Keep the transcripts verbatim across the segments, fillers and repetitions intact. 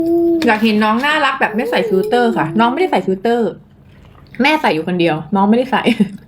อยากเห็นน้องน่ารักแบบไม่ใส่ฟิลเตอร์ค่ะ น้องไม่ได้ใส่ฟิลเตอร์ แม่ใส่อยู่คนเดียว น้องไม่ได้ใส่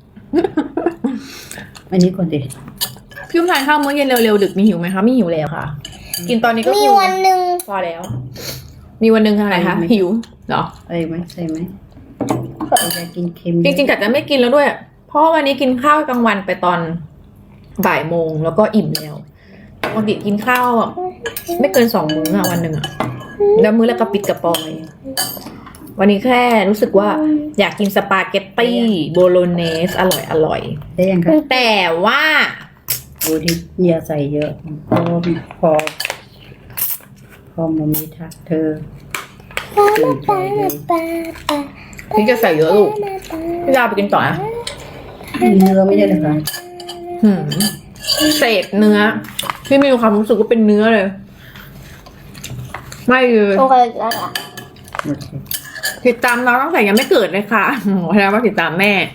อันนี้ก่อนดิพี่อุ้มทานข้าวมื้อเย็นเร็วๆดึกมีหิวไหมคะไม่หิวแล้วค่ะ กินตอนนี้ก็มีคือวันหนึ่งพอแล้ว มีวันหนึ่งอะไรคะหิวเหรออะไรไหมใส่ไหมอยากกินเค็มจริงๆกัดจะไม่กินแล้วด้วย เพราะวันนี้กินข้าวกลางวันไปตอนบ่ายโมงแล้วก็อิ่มแล้วปกติกินข้าวอะไม่เกินสองมื้ออะวันหนึ่งอะแล้วมื้อละกระปิดกระปอย วันนี้แค่รู้สึกว่าอยากกินสปาเกตตี้โบโลเนสอร่อยอร่อยได้ยังคะแต่ว่าดูที่อย่าใส่เยอะเพราะว่าพอ พอมามีทักเธอตื่นใจเลยพี่จะใส่เยอะลูกพี่ดาวไปกินต่อนะมีเนื้อไม่ใช่เหรอคะหืมเศษเนื้อพี่มีความรู้สึกว่าเป็นเนื้อเลย ไม่เลยโอเคแล้วล่ะโอเคติดตามน้องตั้งแต่ยังไม่เกิดเลยค่ะโอ้โหแสดงว่าติดตามแม่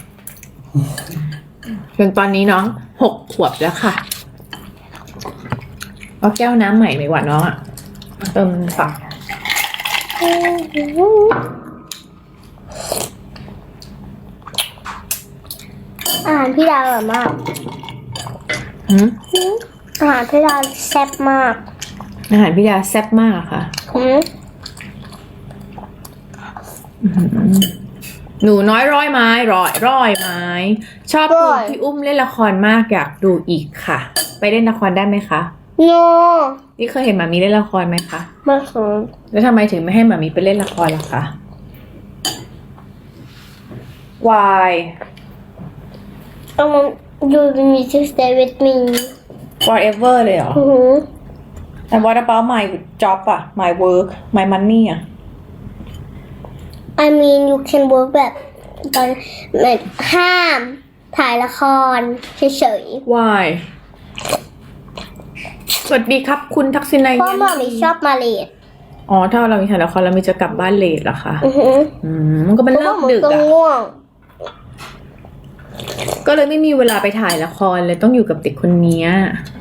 จนตอนนี้น้องหกขวบแล้วค่ะเอาแก้วน้ำใหม่ไหมวะน้องอะเติมฝากอาหารพี่ดาวอร่อยมากหืมอาหารพี่ดาวแซ่บมากอาหารพี่ดาแซ่บมากค่ะหืมหนูน้อยร้อยไม้ร้อยร้อยไม้ ชอบดูพี่อุ้มเล่นละครมากอยากดูอีกค่ะ ไปเล่นละครได้ไหมคะโนนี่เคยเห็นหมามีเล่นละครไหมคะมาสนแล้วทำไมถึงไม่ให้หมามีไปเล่นละครล่ะคะ Why I want you to stay with me forever เลยเหรออือหือ And what about my job อะ my work my money อะ I mean you can work แบบตอนแบบห้ามถ่ายละครเฉย Why สวัสดีครับคุณทักษิณนายๆเพราะหมอมีชอบมาเลดอ๋อ ถ้าเรามีถ่ายละครเรามีจะกลับบ้านเลทเหรอคะอือหืออืมมันก็เป็นเพราะเลิว่าก หมูดึกก็อะง่วงก็เลยไม่มีเวลาไปถ่ายละครเลยต้องอยู่กับเด็กคนเนี้ยอ